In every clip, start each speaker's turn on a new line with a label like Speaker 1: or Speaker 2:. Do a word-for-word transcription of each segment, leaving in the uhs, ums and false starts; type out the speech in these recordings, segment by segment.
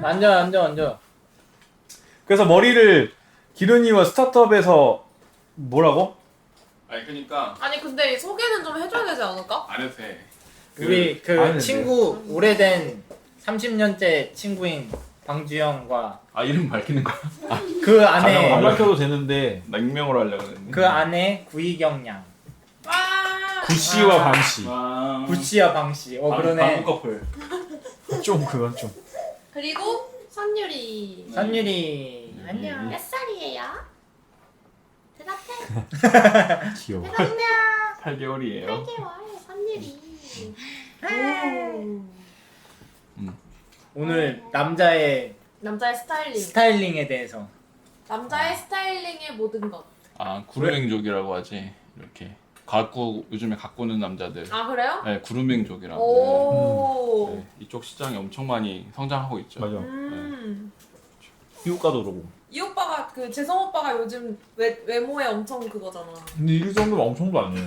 Speaker 1: 앉아 앉아 앉아.
Speaker 2: 그래서 머리를 기른이와 스타트업에서 뭐라고?
Speaker 3: 아니 그러니까
Speaker 4: 아니 근데 소개는 좀 해줘야 되지 않을까?
Speaker 3: 안 해도 돼.
Speaker 1: 우리 그
Speaker 2: 아는데.
Speaker 1: 친구 오래된 삼십 년째 친구인 방주영과
Speaker 3: 아 이름 밝히는 거야?
Speaker 1: 그
Speaker 2: 안
Speaker 1: 안에
Speaker 2: 밝혀도 되는데
Speaker 3: 냉명으로 하려고 했는데.
Speaker 1: 그 안에 구이경 양,
Speaker 4: 와.
Speaker 2: 구씨와
Speaker 1: 아.
Speaker 2: 방씨.
Speaker 3: 와.
Speaker 1: 구씨와 방씨. 어
Speaker 3: 방-
Speaker 1: 그러네.
Speaker 3: 방구 커플.
Speaker 2: 좀 그건 좀.
Speaker 4: 그리고 선율이.
Speaker 1: 선율이 안녕.
Speaker 4: 몇 살이에요? 대답해.
Speaker 2: 귀여워.
Speaker 4: 대답해.
Speaker 3: 팔 개월이에요.
Speaker 4: 팔 개월 선율이.
Speaker 1: 오늘 남자의
Speaker 4: 남자의 스타일링.
Speaker 1: 스타일링에 대해서.
Speaker 4: 남자의 스타일링의 모든 것.
Speaker 3: 아 구루맹족이라고 하지. 이렇게 가꾸 요즘에 가꾸는 남자들.
Speaker 4: 아 그래요?
Speaker 3: 네 구루맹족이라고.
Speaker 4: 오.
Speaker 3: 네, 이쪽 시장이 엄청 많이 성장하고 있죠.
Speaker 2: 맞아.
Speaker 4: 음.
Speaker 2: 미국 가도 그러고.
Speaker 4: 이 오빠가 그 재성 오빠가 요즘 외, 외모에 엄청 그거잖아.
Speaker 2: 근데 이 정도면 엄청도 아니에요.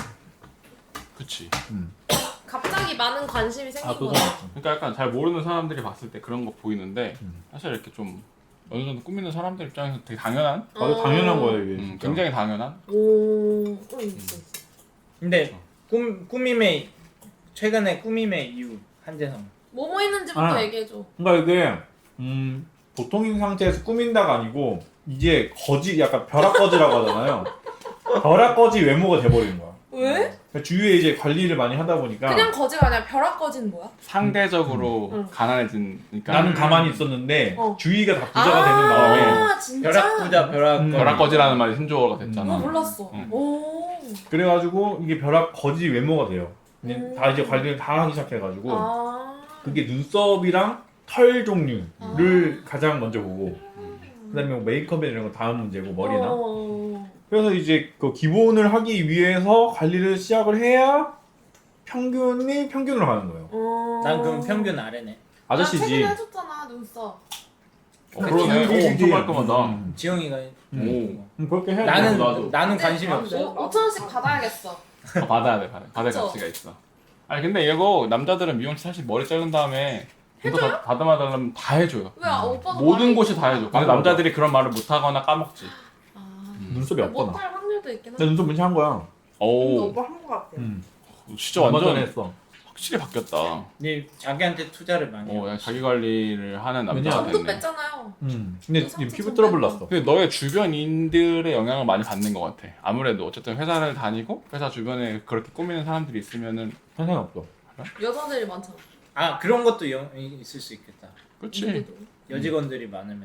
Speaker 3: 그치.
Speaker 4: 갑자기 많은 관심이 생긴
Speaker 2: 아 그건
Speaker 4: 거야.
Speaker 2: 맞죠.
Speaker 3: 그러니까 약간 잘 모르는 사람들이 봤을 때 그런 거 보이는데
Speaker 2: 음.
Speaker 3: 사실 이렇게 좀 어느 정도 꾸미는 사람들 입장에서 되게 당연한.
Speaker 2: 맞아 당연한 거예요 이게.
Speaker 3: 음,
Speaker 2: 진짜.
Speaker 3: 굉장히 당연한.
Speaker 4: 오. 응 있어 있어.
Speaker 1: 근데 꿈 꾸밈의 최근에 꾸밈의 이유 한재성.
Speaker 4: 뭐뭐 했는지부터
Speaker 2: 아.
Speaker 4: 얘기해줘.
Speaker 2: 그러니까 이게 음, 보통인 상태에서 꾸민다가 아니고 이제 거지 약간 벼락거지라고 하잖아요. 벼락거지 외모가 돼버리는 거야.
Speaker 4: 왜?
Speaker 2: 그러니까 주위에 이제 관리를 많이 하다 보니까
Speaker 4: 그냥 거지가 아니라 벼락 거지는 뭐야?
Speaker 3: 상대적으로
Speaker 4: 음.
Speaker 3: 가난해지니까.
Speaker 2: 나는 가만히 있었는데
Speaker 4: 어.
Speaker 2: 주위가 다 부자가 되는 바람에
Speaker 4: 아 진짜?
Speaker 1: 벼락부자 벼락.
Speaker 2: 음.
Speaker 3: 벼락거지라는 말이 신조어가 됐잖아.
Speaker 4: 어 몰랐어.
Speaker 3: 응.
Speaker 4: 오.
Speaker 2: 그래가지고 이게 벼락거지 외모가 돼요. 근데
Speaker 4: 음.
Speaker 2: 다 이제 관리를 다 하기 시작해가지고
Speaker 4: 아.
Speaker 2: 그게 눈썹이랑 털 종류를
Speaker 4: 아.
Speaker 2: 가장 먼저 보고 그다음에 뭐 메이크업이나 이런 거 다음 문제고 머리나
Speaker 4: 어.
Speaker 2: 그래서 이제 그 기본을 하기 위해서 관리를 시작을 해야 평균이 평균으로 가는 거예요.
Speaker 4: 어.
Speaker 1: 난 그럼 평균 아래네.
Speaker 4: 아,
Speaker 2: 아저씨지.
Speaker 4: 최근에 해줬잖아 눈썹.
Speaker 3: 어, 그러네. 오, 엄청 깔끔하다.
Speaker 2: 음.
Speaker 1: 지영이가
Speaker 3: 오.
Speaker 2: 음, 그렇게 해야
Speaker 1: 나는
Speaker 2: 돼.
Speaker 3: 나도.
Speaker 1: 나는 관심이 없어.
Speaker 4: 오천 원씩 받아야겠어.
Speaker 3: 어, 받아야 돼, 받아. 받을
Speaker 4: 그쵸?
Speaker 3: 가치가 있어. 아니 근데 이거 남자들은 미용실 사실 머리 자른 다음에 이거 다 다듬어 달라면 다 해줘요.
Speaker 4: 왜 아, 오빠가
Speaker 3: 모든
Speaker 4: 많이
Speaker 3: 곳이 다 해줘. 근데
Speaker 2: 맞아,
Speaker 3: 남자들이 그런 말을 못 하거나 까먹지.
Speaker 4: 아.
Speaker 2: 눈썹이 없거나.
Speaker 4: 못할 확률도 있긴
Speaker 2: 내
Speaker 4: 한데.
Speaker 2: 눈썹 문신 한 거야.
Speaker 3: 오,
Speaker 4: 오빠 한 거 같아.
Speaker 2: 음.
Speaker 3: 진짜
Speaker 2: 얼마
Speaker 3: 완전
Speaker 2: 전에 했어.
Speaker 3: 확실히 바뀌었다.
Speaker 1: 네 자기한테 투자를 많이.
Speaker 3: 어,
Speaker 1: 해.
Speaker 3: 야, 자기 관리를 하는 남자가
Speaker 2: 왜냐?
Speaker 4: 점도
Speaker 3: 됐네.
Speaker 4: 뺐잖아요.
Speaker 2: 음. 근데
Speaker 4: 그
Speaker 2: 지금
Speaker 4: 상처
Speaker 2: 피부
Speaker 4: 좀
Speaker 2: 트러블
Speaker 4: 빼고.
Speaker 2: 났어.
Speaker 3: 근데 너의 주변인들의 영향을 많이 받는 것 같아. 아무래도 어쨌든 회사를 다니고 회사 주변에 그렇게 꾸미는 사람들이 있으면은
Speaker 2: 상관 없어.
Speaker 4: 여자들이 많잖아.
Speaker 1: 아 그런 것도 영, 있을 수 있겠다.
Speaker 3: 그렇지.
Speaker 4: 누구도.
Speaker 1: 여직원들이 많으면.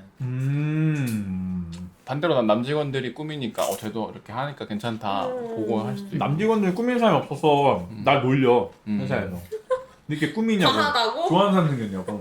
Speaker 2: 음.
Speaker 3: 반대로 난 남직원들이 꾸미니까 어 쟤도 이렇게 하니까 괜찮다
Speaker 4: 음.
Speaker 3: 보고 할 수도 있고.
Speaker 2: 남직원들 꾸미는 사람이 없어서
Speaker 3: 음.
Speaker 2: 날 놀려
Speaker 3: 음.
Speaker 2: 회사에서. 이렇게 꾸미냐고.
Speaker 4: 과하다고?
Speaker 2: 좋아하는 사람 생겼냐고.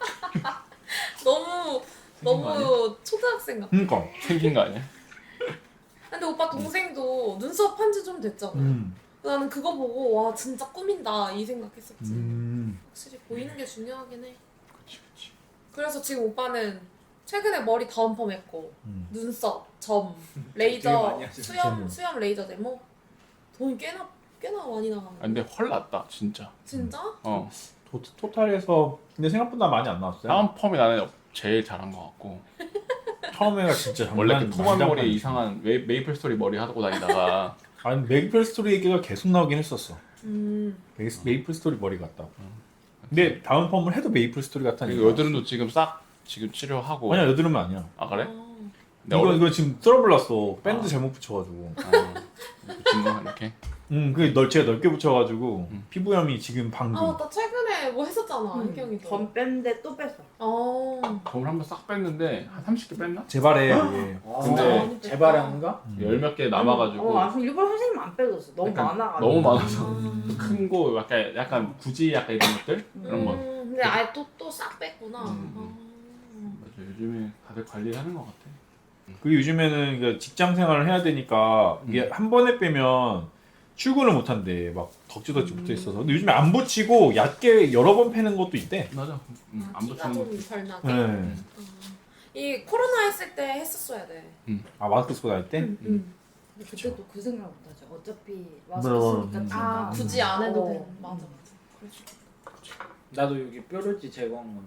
Speaker 4: 너무
Speaker 3: 생긴 거 아니야?
Speaker 4: 너무 초등학생 같아.
Speaker 2: 그러니까.
Speaker 3: 생긴 거 아니야?
Speaker 4: 근데 오빠 동생도 눈썹 한 지 좀 됐잖아.
Speaker 2: 음.
Speaker 4: 나는 그거 보고 와 진짜 꾸민다 이 생각했었지.
Speaker 2: 음.
Speaker 4: 확실히 보이는 게 중요하긴 해.
Speaker 3: 그치 그치.
Speaker 4: 그래서 지금 오빠는 최근에 머리 다운펌 했고
Speaker 2: 음.
Speaker 4: 눈썹, 점,
Speaker 1: 되게
Speaker 4: 레이저,
Speaker 1: 많이 하시네,
Speaker 4: 수염,
Speaker 2: 점을.
Speaker 4: 수염 레이저 데모 돈이 꽤나 꽤나 많이 나가는
Speaker 3: 아, 근데 헐 났다 진짜.
Speaker 4: 진짜?
Speaker 3: 어.
Speaker 2: 토, 토탈에서 근데 생각보다 많이 안 나왔어요.
Speaker 3: 다운 펌이 나는 제일 잘한 것 같고.
Speaker 2: 처음에가 진짜
Speaker 3: 원래 그
Speaker 2: 장난-
Speaker 3: 토반
Speaker 2: 장난
Speaker 3: 머리
Speaker 2: 아니지.
Speaker 3: 이상한 메, 메이플 스토리 머리 하고 다니다가
Speaker 2: 아니 메이플 스토리 얘기가 계속 나오긴 했었어.
Speaker 4: 음.
Speaker 2: 메이, 메이플 스토리 머리 같다. 근데 다음 펌을 해도 메이플 스토리 같다니까.
Speaker 3: 그리고 여드름도 지금 싹 지금 치료하고.
Speaker 2: 아니야 여드름은 아니야.
Speaker 3: 아 그래?
Speaker 4: 어.
Speaker 3: 근데
Speaker 2: 이거
Speaker 3: 어려-
Speaker 2: 이거 지금 트러블 났어. 밴드
Speaker 3: 아.
Speaker 2: 잘못 붙여가지고.
Speaker 3: 어, 붙인 거 이렇게.
Speaker 2: 음, 그 넓, 제가 넓게 붙여가지고
Speaker 3: 음.
Speaker 2: 피부염이 지금 방금.
Speaker 4: 아 맞다 최근에 뭐 했었잖아
Speaker 5: 음,
Speaker 4: 혜경이도.
Speaker 5: 전 뺐는데 또 뺐어.
Speaker 4: 어.
Speaker 3: 점을 한번 싹 뺐는데 한 삼십 개 뺐나?
Speaker 2: 재발해. 이게.
Speaker 3: 근데
Speaker 4: 많이 뺐다.
Speaker 1: 재발한가?
Speaker 2: 음.
Speaker 3: 열 몇 개 남아가지고
Speaker 5: 어, 아, 그럼 일부러 선생님 안 빼줬어. 너무
Speaker 3: 약간
Speaker 5: 많아가지고.
Speaker 3: 너무 많아서
Speaker 4: 음.
Speaker 3: 큰 거 약간 약간 굳이 약간 이런 것들 그런 거.
Speaker 4: 음, 근데 아예 또 또 싹 뺐구나.
Speaker 3: 음,
Speaker 4: 어.
Speaker 3: 맞아 요즘에 다들 관리하는 것 같아.
Speaker 2: 그리고 요즘에는 그 직장 생활을 해야 되니까 이게 한 번에 빼면 출근을 못 한대. 막 덕지덕지
Speaker 4: 음.
Speaker 2: 붙어 있어서. 근데 요즘에 안 붙이고 얕게 여러 번 패는 것도 있대.
Speaker 3: 맞아. 음,
Speaker 4: 아,
Speaker 3: 안
Speaker 4: 티가
Speaker 3: 붙이는 거.
Speaker 4: 좀 덜 나게.
Speaker 2: 네.
Speaker 4: 어. 이 코로나 했을 때 했었어야 돼.
Speaker 2: 아 마스크 쓰고 다닐 때?
Speaker 4: 음. 음.
Speaker 5: 근데 그때도 그 생각 못하죠. 어차피
Speaker 2: 맞아,
Speaker 5: 마스크
Speaker 2: 맞아.
Speaker 5: 쓰니까
Speaker 2: 음.
Speaker 5: 티가.
Speaker 4: 아 굳이 안 해도
Speaker 5: 어.
Speaker 4: 돼. 맞아 맞아. 그럴 수 있겠다.
Speaker 1: 나도 여기 뾰루지 제거한 건데.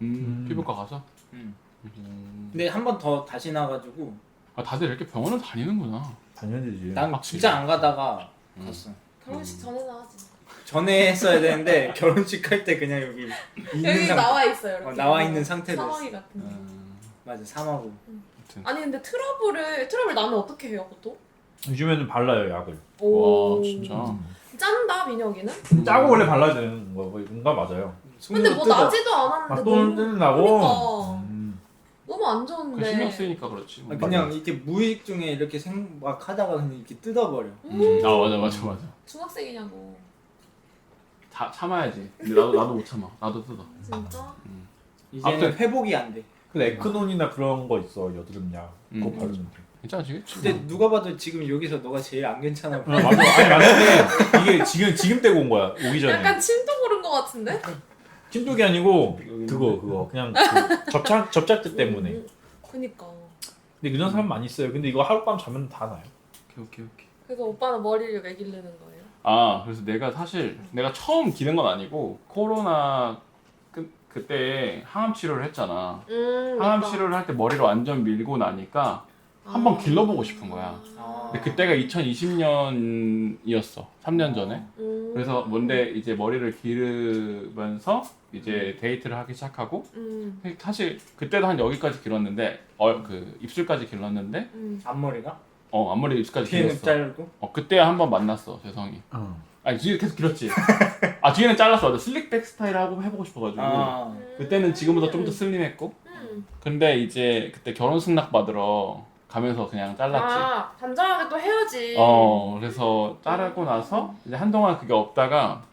Speaker 3: 음,
Speaker 2: 음.
Speaker 3: 피부과 가서?
Speaker 1: 음.
Speaker 3: 음.
Speaker 1: 근데 한 번 더 다시 나가지고
Speaker 3: 아 다들 이렇게 병원을 다니는구나.
Speaker 2: 당연히지.
Speaker 1: 난
Speaker 3: 확실히.
Speaker 1: 진짜 안 가다가
Speaker 3: 음.
Speaker 1: 갔어.
Speaker 4: 결혼식 전에나 하지.
Speaker 1: 전에 했어야 되는데 결혼식 할 때 그냥 여기 있는
Speaker 4: 여기
Speaker 1: 상
Speaker 4: 나와 있어요. 이렇게.
Speaker 1: 어, 나와 있는 상태로
Speaker 4: 사마귀
Speaker 1: 했어.
Speaker 4: 같은 거.
Speaker 3: 음,
Speaker 1: 맞아 삼하고.
Speaker 3: 아무튼.
Speaker 4: 아니 근데 트러블을 트러블 나면 어떻게 해요, 보통?
Speaker 2: 요즘에는 발라요 약을.
Speaker 3: 와 진짜.
Speaker 1: 음.
Speaker 4: 짠다 민혁이는?
Speaker 2: 짜고 원래 발라야 되는 거가 맞아요.
Speaker 4: 근데 뭐
Speaker 1: 뜯어.
Speaker 4: 나지도 않았는데
Speaker 2: 아, 또 뜨는 나고.
Speaker 4: 그러니까.
Speaker 2: 음.
Speaker 4: 너무 안
Speaker 3: 그
Speaker 4: 좋은데.
Speaker 3: 신경 쓰이니까 그렇지.
Speaker 1: 아, 그냥 이렇게 무의식 중에 이렇게 생막 하다가 그냥 이렇게 뜯어버려.
Speaker 3: 음. 아 맞아 맞아 맞아.
Speaker 4: 중학생이냐고.
Speaker 3: 다 참아야지. 근데 나도 나도 못 참아. 나도 뜯어.
Speaker 4: 진짜?
Speaker 1: 이제는
Speaker 3: 아무튼-
Speaker 1: 회복이 안 돼.
Speaker 2: 근데 에크논이나 그런 거 있어 여드름약. 그거
Speaker 3: 음.
Speaker 2: 바르면 돼.
Speaker 3: 괜찮아지겠지.
Speaker 1: 근데 누가 봐도 지금 여기서 너가 제일 안 괜찮아 보여.
Speaker 2: 아, 맞아. 아니 맞는데 이게 지금 지금 떼고 온 거야. 오기 전에.
Speaker 4: 약간 침도 고른 것 같은데?
Speaker 2: 찜독이 아니고 그거 그거 그냥 그 접착 접착제 때문에.
Speaker 4: 음, 그니까.
Speaker 2: 근데 그런 사람 많이 있어요. 근데 이거 하룻밤 자면 다 나요.
Speaker 3: 오케이 오케이 오케이.
Speaker 4: 그래서 오빠는 머리를 왜 기르는 거예요?
Speaker 3: 아 그래서 내가 사실 내가 처음 기른 건 아니고 코로나 그, 그때 항암 치료를 했잖아.
Speaker 4: 음,
Speaker 3: 항암
Speaker 4: 맞다.
Speaker 3: 치료를 할 때 머리를 완전 밀고 나니까 한번
Speaker 4: 아.
Speaker 3: 길러보고 싶은 거야.
Speaker 1: 아.
Speaker 3: 근데 그때가 이천이십 년이었어. 삼 년 전에.
Speaker 4: 음.
Speaker 3: 그래서 뭔데 이제 머리를 기르면서 이제 데이트를 하기 시작하고
Speaker 4: 음.
Speaker 3: 사실 그때도 한 여기까지 길었는데 어, 그 입술까지 길렀는데
Speaker 4: 음.
Speaker 1: 앞머리가?
Speaker 3: 어 앞머리 입술까지
Speaker 1: 뒤에는
Speaker 3: 길었어.
Speaker 1: 짧고?
Speaker 3: 어 그때 한 번 만났어 재성이.
Speaker 2: 어.
Speaker 3: 아니 뒤에 계속 길었지. 아 뒤에는 잘랐어. 맞아. 슬릭백 스타일 하고 해보고 싶어가지고.
Speaker 1: 아.
Speaker 3: 그때는 지금보다 좀 더 슬림했고.
Speaker 4: 음.
Speaker 3: 근데 이제 그때 결혼 승낙 받으러 가면서 그냥 잘랐지.
Speaker 4: 아, 단정하게 또 해야지.
Speaker 3: 어 그래서 자르고 나서 이제 한동안 그게 없다가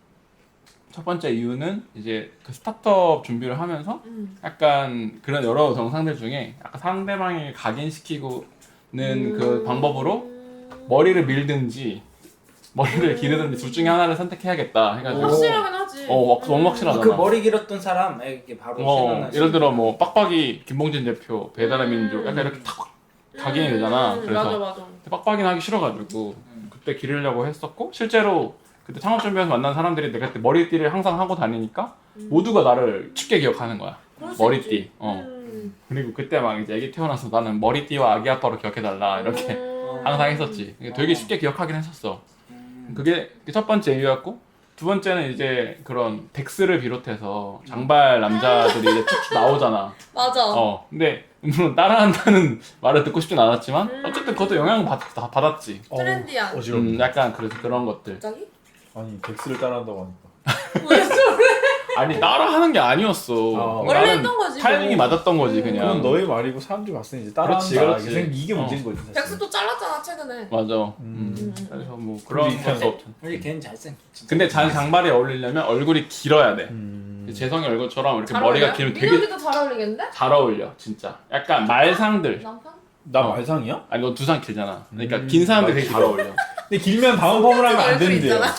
Speaker 3: 첫 번째 이유는 이제 그 스타트업 준비를 하면서
Speaker 4: 음.
Speaker 3: 약간 그런 여러 정상들 중에 약간 상대방을 각인시키고는
Speaker 4: 음.
Speaker 3: 그 방법으로 머리를 밀든지 머리를 기르든지 둘 중에 하나를 선택해야겠다 해가지고
Speaker 4: 확실하긴 하지.
Speaker 3: 어 막- 너무 확실하잖아.
Speaker 1: 그 머리 길었던 사람에게 바로
Speaker 3: 어,
Speaker 1: 생각나시.
Speaker 3: 예를 들어 뭐 빡빡이 김봉진 대표 배달의 민족 약간 이렇게 탁 각인이 되잖아.
Speaker 4: 음,
Speaker 3: 그래서
Speaker 4: 맞아 맞아.
Speaker 3: 빡빡이는 하기 싫어가지고
Speaker 1: 음.
Speaker 3: 그때 기르려고 했었고 실제로 그때 창업 준비해서 만난 사람들이 내가 그때 머리띠를 항상 하고 다니니까
Speaker 4: 음.
Speaker 3: 모두가 나를 쉽게 기억하는 거야.
Speaker 4: 그럴 수
Speaker 3: 머리띠.
Speaker 4: 있지.
Speaker 3: 어.
Speaker 4: 음.
Speaker 3: 그리고 그때 막 이제 애기 태어나서 나는 머리띠와 아기 아빠로 기억해달라 이렇게
Speaker 4: 음.
Speaker 3: 항상 했었지. 되게
Speaker 1: 어.
Speaker 3: 쉽게 기억하긴 했었어.
Speaker 1: 음.
Speaker 3: 그게 첫 번째 이유였고 두 번째는 이제 그런 덱스를 비롯해서 장발 남자들이 이제 쭉쭉 나오잖아.
Speaker 4: 맞아.
Speaker 3: 어. 근데 물론 따라한다는 말을 듣고 싶진 않았지만
Speaker 4: 음.
Speaker 3: 어쨌든 그것도 영향을 받, 다 받았지.
Speaker 4: 트렌디한.
Speaker 2: 어, 어지럽네.
Speaker 3: 음, 약간 그래서 그런 것들.
Speaker 4: 갑자기?
Speaker 2: 아니 덱스를 따라한다고 하니까.
Speaker 4: 왜 저래?
Speaker 3: 아니 따라하는 게 아니었어.
Speaker 2: 아,
Speaker 4: 원래
Speaker 3: 나는
Speaker 4: 했던 거지.
Speaker 3: 타이밍이
Speaker 4: 뭐.
Speaker 3: 맞았던 거지
Speaker 4: 음.
Speaker 3: 그냥.
Speaker 2: 그건 너의 말이고 사람들이 봤을 때 이제 따라한다.
Speaker 3: 그렇지, 그렇지.
Speaker 2: 이게 생- 이게
Speaker 3: 어.
Speaker 2: 문제인 거지 사실.
Speaker 4: 백수도 잘랐잖아 최근에.
Speaker 3: 맞아.
Speaker 2: 음.
Speaker 3: 음.
Speaker 4: 음.
Speaker 3: 그래서 뭐 그런
Speaker 2: 그런
Speaker 3: 것도 없
Speaker 1: 근데 걔는 잘생겼지.
Speaker 3: 근데 장, 장발에 어울리려면 얼굴이 길어야 돼.
Speaker 2: 음.
Speaker 3: 재성이 얼굴처럼 이렇게
Speaker 4: 잘
Speaker 3: 머리가
Speaker 4: 어울려요?
Speaker 3: 길면 되게
Speaker 4: 민혁이도 잘 어울리겠는데?
Speaker 3: 잘 어울려 진짜. 약간 말상들.
Speaker 4: 남편?
Speaker 2: 나
Speaker 3: 어.
Speaker 2: 말상이야?
Speaker 3: 아니 너 두상 길잖아. 그러니까
Speaker 2: 음,
Speaker 3: 긴 사람들 되게
Speaker 2: 맞지.
Speaker 3: 잘 어울려.
Speaker 2: 근데 길면 다음 펌을 하면 안
Speaker 4: 얼굴
Speaker 2: 되는데요.
Speaker 4: 있잖아.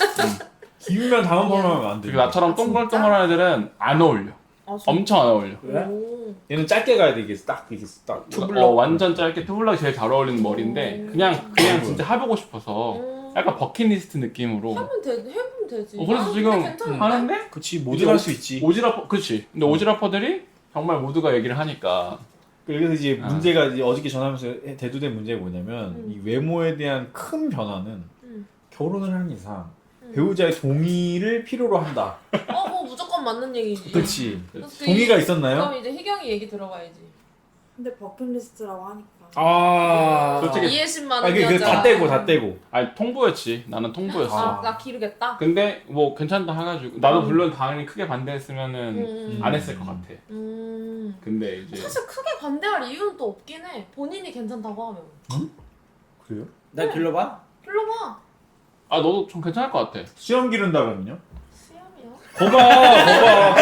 Speaker 2: 길면 다음 펌을 하면 안 돼.
Speaker 3: 그리고 나처럼 동글동글한 애들은 안 어울려.
Speaker 4: 아, 진짜?
Speaker 3: 엄청 안 어울려.
Speaker 1: 왜?
Speaker 4: 오.
Speaker 2: 얘는 짧게 가야 돼 이게 딱 이게 딱 투블럭.
Speaker 3: 어, 완전 짧게 투블럭이 제일 잘 어울리는 머리인데
Speaker 4: 음.
Speaker 3: 그냥 그냥 진짜 해보고 싶어서
Speaker 4: 음.
Speaker 3: 약간 버킷리스트 느낌으로
Speaker 4: 하면 되, 해보면 되지.
Speaker 3: 어, 그래서
Speaker 4: 아,
Speaker 3: 지금
Speaker 4: 근데 괜찮은데?
Speaker 3: 하는데
Speaker 2: 그치 모두 할 수 있지.
Speaker 3: 오지라퍼 그렇지. 근데 오지라퍼들이 정말 모두가 얘기를 하니까
Speaker 2: 그래서 이제
Speaker 3: 아.
Speaker 2: 문제가 이제 어저께 전화하면서 대두된 문제가 뭐냐면
Speaker 4: 음.
Speaker 2: 이 외모에 대한 큰 변화는
Speaker 4: 음.
Speaker 2: 결혼을 하는 이상
Speaker 4: 음.
Speaker 2: 배우자의 동의를 필요로 한다.
Speaker 4: 어, 뭐 무조건 맞는 얘기지.
Speaker 2: 그렇지.
Speaker 4: 그래서
Speaker 2: 동의가
Speaker 4: 이-
Speaker 2: 있었나요?
Speaker 4: 그럼 이제 희경이 얘기 들어가야지.
Speaker 5: 근데 버킷리스트라고 하니까.
Speaker 2: 아.
Speaker 3: 솔직히-
Speaker 4: 이해심만
Speaker 2: 아, 그, 다 떼고 다 떼고.
Speaker 3: 아니 통보였지. 나는 통보였어.
Speaker 4: 아,
Speaker 2: 아.
Speaker 4: 나 기르겠다.
Speaker 3: 근데 뭐 괜찮다 해가지고 나도
Speaker 4: 음.
Speaker 3: 물론 당연히 크게 반대했으면은
Speaker 4: 음.
Speaker 3: 안 했을 것 같아.
Speaker 4: 음.
Speaker 3: 근데 이제
Speaker 4: 사실 크게 반대할 이유는 또 없긴 해. 본인이 괜찮다고 하면.
Speaker 2: 그래요?
Speaker 1: 나 길러봐.
Speaker 4: 불러봐.
Speaker 3: 아 너도 좀 괜찮을 것 같아.
Speaker 2: 수염 기른다 그러면요?
Speaker 4: 수염이요?
Speaker 2: 거봐 거봐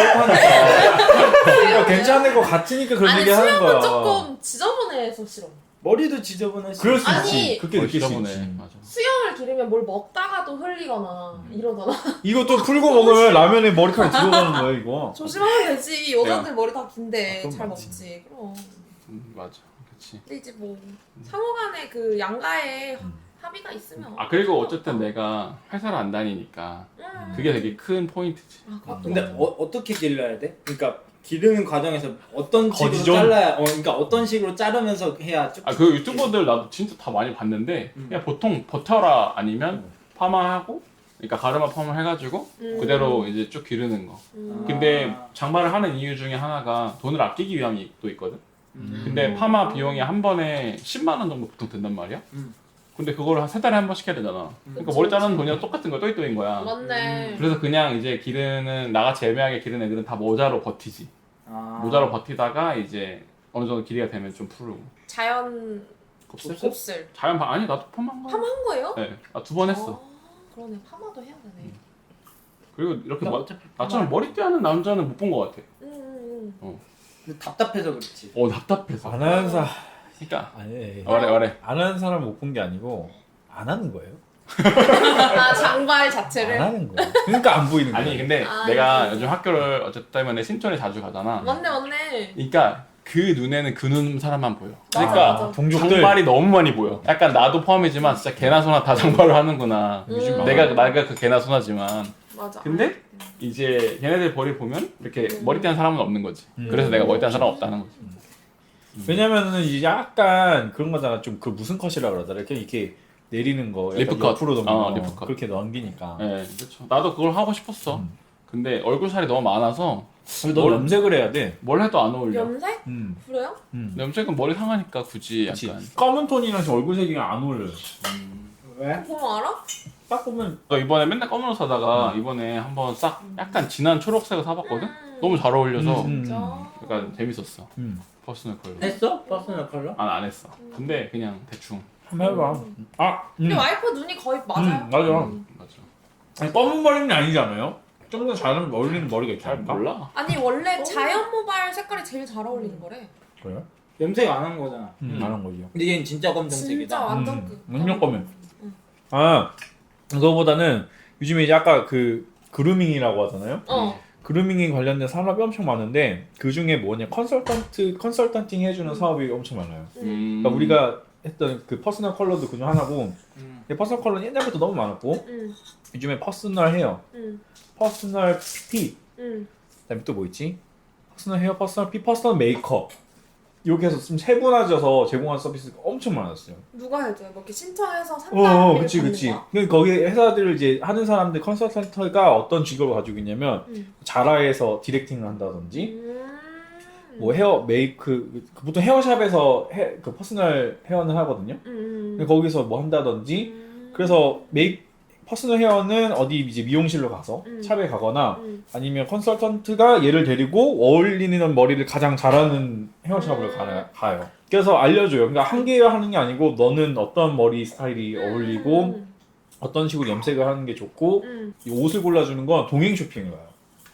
Speaker 2: 그렇다니까. 그러니까 괜찮을 것 같으니까 그런
Speaker 4: 아니
Speaker 2: 얘기 하는
Speaker 4: 수염은
Speaker 2: 거야.
Speaker 4: 조금 지저분해서 싫어.
Speaker 1: 머리도 지저분하시.
Speaker 2: 그럴 수
Speaker 4: 아니,
Speaker 2: 있지. 그렇게
Speaker 3: 어,
Speaker 2: 느낄 수
Speaker 3: 지저분해.
Speaker 2: 있지.
Speaker 3: 맞아.
Speaker 4: 수염을 기르면 뭘 먹다가도 흘리거나 이러잖아.
Speaker 2: 이것도 풀고 먹으면 라면에 머리카락 들어가는 거야 이거.
Speaker 4: 조심하면 되지. 여자들 머리 다 긴데
Speaker 2: 아, 그건
Speaker 4: 잘
Speaker 2: 맞지.
Speaker 4: 먹지. 그럼.
Speaker 3: 음, 맞아. 그렇지.
Speaker 4: 근데 이제 뭐 상호간에 그 양가에
Speaker 2: 음.
Speaker 4: 합의가 있으면.
Speaker 3: 아 그리고 어쨌든 내가 회사를 안 다니니까
Speaker 4: 음.
Speaker 3: 그게 되게 큰 포인트지.
Speaker 4: 아, 그것도
Speaker 1: 근데
Speaker 4: 맞아.
Speaker 1: 어, 어떻게 길러야 돼? 그러니까 기르는 과정에서 어떤 식으로
Speaker 2: 거지존?
Speaker 1: 잘라야 어 그러니까 어떤 식으로 자르면서 해야 쭉.
Speaker 3: 아 그 유튜버들 나도 진짜 다 많이 봤는데
Speaker 1: 음.
Speaker 3: 그냥 보통 버터라 아니면 파마하고 그러니까 가르마 펌을 해가지고
Speaker 4: 음.
Speaker 3: 그대로 이제 쭉 기르는 거.
Speaker 4: 음.
Speaker 3: 근데 장발을 하는 이유 중에 하나가 돈을 아끼기 위함이 또 있거든.
Speaker 1: 음.
Speaker 3: 근데 파마 비용이 한 번에 십만 원 정도 보통 든단 말이야.
Speaker 1: 음.
Speaker 3: 근데 그거를 한 세 달에 한 번씩 해야 되잖아. 그러니까
Speaker 4: 그치,
Speaker 3: 머리 자르는
Speaker 4: 그치.
Speaker 3: 돈이랑 똑같은 거야. 또이또인 거야.
Speaker 4: 맞네.
Speaker 3: 그래서 그냥 이제 기르는 나같이 애매하게 기르는 애들은 다 모자로 버티지.
Speaker 1: 아.
Speaker 3: 모자로 버티다가 이제 어느 정도 길이가 되면 좀 풀고.
Speaker 4: 자연
Speaker 3: 곱슬?
Speaker 4: 곱슬.
Speaker 3: 자연 파 아니 나도 펌한 거.
Speaker 4: 파마한 거예요?
Speaker 3: 네, 나 두 번 했어.
Speaker 4: 아, 그러네. 파마도 해야 되네.
Speaker 3: 그리고 이렇게
Speaker 1: 그러니까
Speaker 3: 뭐,
Speaker 1: 어차피
Speaker 3: 나처럼 머리띠 하는 남자는 못 본 거 같아.
Speaker 4: 음, 음,
Speaker 1: 근데 답답해서 그렇지.
Speaker 3: 어 답답해서.
Speaker 2: 안 하는 사
Speaker 3: 그러니까
Speaker 2: 아니
Speaker 3: 말해 말해.
Speaker 2: 안 하는 사람 못 본 게 아니고 안 하는 거예요.
Speaker 4: 음. 아 장발
Speaker 2: 안
Speaker 4: 자체를.
Speaker 2: 하는 거예요. 그러니까 안 보이는 거예요.
Speaker 3: 아니 근데
Speaker 4: 아,
Speaker 3: 내가
Speaker 4: 진짜.
Speaker 3: 요즘 학교를 어쨌든 때문에 신촌에 자주 가잖아.
Speaker 4: 맞네 맞네.
Speaker 3: 그러니까 그 눈에는 그 눈 사람만 보여.
Speaker 4: 맞아,
Speaker 3: 그러니까
Speaker 4: 맞아.
Speaker 2: 종족들
Speaker 3: 장발이 너무 많이 보여. 약간 나도 포함이지만 진짜 개나 소나 다 장발을 하는구나.
Speaker 4: 음.
Speaker 3: 내가 내가 그 개나 소나지만.
Speaker 4: 맞아.
Speaker 3: 근데 이제 걔네들 머리 보면 이렇게
Speaker 4: 음.
Speaker 3: 머리띠 한 사람은 없는 거지.
Speaker 2: 음.
Speaker 3: 그래서 내가 머리띠 한 사람 없다는 거지.
Speaker 2: 왜냐면은 이제 약간 그런 거잖아. 좀 그 무슨 컷이라 그러더라. 이렇게 이렇게 내리는 거, 약간
Speaker 3: 리프 컷.
Speaker 2: 옆으로 넘기는
Speaker 3: 어,
Speaker 2: 거,
Speaker 3: 리프 컷.
Speaker 2: 그렇게 넘기니까.
Speaker 3: 네, 그렇죠. 나도 그걸 하고 싶었어.
Speaker 2: 음.
Speaker 3: 근데 얼굴 살이 너무 많아서
Speaker 2: 너
Speaker 3: 뭘-
Speaker 2: 염색을 해야 돼.
Speaker 3: 뭘 해도 안 어울려.
Speaker 4: 염색?
Speaker 2: 음,
Speaker 4: 그래요?
Speaker 2: 음.
Speaker 3: 염색은 머리 상하니까 굳이
Speaker 2: 그치.
Speaker 3: 약간.
Speaker 2: 검은 톤이랑 지금 얼굴 색이 안 어울려요.
Speaker 1: 왜?
Speaker 4: 보면 알아?
Speaker 2: 딱 보면
Speaker 3: 너 이번에 맨날 검은 옷 사다가 이번에 한번 싹 약간 진한 초록색을 사봤거든?
Speaker 4: 음.
Speaker 3: 너무 잘 어울려서
Speaker 2: 음.
Speaker 4: 진짜.
Speaker 3: 약간 재밌었어.
Speaker 2: 음.
Speaker 3: 퍼스널 컬러.
Speaker 1: 했어? 퍼스널 컬러?
Speaker 3: 아, 안 했어. 근데 그냥 대충.
Speaker 2: 한번 해봐. 아, 음.
Speaker 4: 근데 와이프 눈이 거의 맞아요.
Speaker 2: 음, 맞아.
Speaker 4: 음.
Speaker 3: 맞아.
Speaker 2: 아니, 검은 머리는 아니잖아요. 좀 더 잘 어울리는 머리가 있지
Speaker 3: 잘
Speaker 2: 않을까?
Speaker 3: 몰라.
Speaker 4: 아니 원래 자연 모발 색깔이 제일 잘 어울리는 거래.
Speaker 2: 그래요?
Speaker 1: 염색 안 한 거잖아.
Speaker 2: 음,
Speaker 3: 음.
Speaker 2: 안 한 거죠.
Speaker 1: 근데 얘는 진짜 검정색이다.
Speaker 4: 진짜 완전
Speaker 2: 음,
Speaker 4: 그.
Speaker 2: 완전 검은.
Speaker 4: 응.
Speaker 2: 아, 그거보다는 요즘에 이제 아까 그 그루밍이라고 하잖아요.
Speaker 4: 어.
Speaker 2: 그루밍에 관련된 산업이 엄청 많은데 그 중에 뭐냐 컨설턴트 컨설턴팅 해주는
Speaker 4: 음.
Speaker 2: 사업이 엄청 많아요.
Speaker 3: 음.
Speaker 2: 그러니까 우리가 했던 그 퍼스널 컬러도 그중 하나고,
Speaker 1: 음.
Speaker 2: 근데 퍼스널 컬러는 옛날부터 너무 많았고
Speaker 4: 응.
Speaker 2: 요즘에 퍼스널 헤어,
Speaker 4: 응.
Speaker 2: 퍼스널 핏,
Speaker 4: 응.
Speaker 2: 그다음에 또 뭐 있지? 퍼스널 헤어, 퍼스널 핏, 퍼스널 메이크업 이렇게 해서 좀 세분화져서 제공하는 서비스가 엄청 많았어요.
Speaker 4: 누가 해줘요? 뭐 이렇게 신청해서
Speaker 2: 어,
Speaker 4: 상담을
Speaker 2: 어
Speaker 4: 받는
Speaker 2: 그치 그치.
Speaker 4: 거야?
Speaker 2: 그 거기 회사들 이제 하는 사람들 컨설턴트가 어떤 직업을 가지고 있냐면
Speaker 4: 응.
Speaker 2: 자라에서 디렉팅을 한다든지
Speaker 4: 음.
Speaker 2: 뭐 헤어 메이크 그 보통 헤어샵에서 해, 그 퍼스널 헤어는 하거든요.
Speaker 4: 음.
Speaker 2: 근데 거기서 뭐 한다든지
Speaker 4: 음.
Speaker 2: 그래서 메이 퍼스널 헤어는 어디 이제 미용실로 가서
Speaker 4: 음.
Speaker 2: 샵에 가거나
Speaker 4: 음.
Speaker 2: 아니면 컨설턴트가 얘를 데리고 어울리는 머리를 가장 잘하는 헤어샵을
Speaker 4: 음.
Speaker 2: 가, 가요. 그래서 알려줘요. 그러니까 한 개 하는 게 아니고 너는 어떤 머리 스타일이 어울리고
Speaker 4: 음.
Speaker 2: 어떤 식으로 염색을 하는 게 좋고
Speaker 4: 음.
Speaker 2: 이 옷을 골라주는 건 동행 쇼핑을 가요.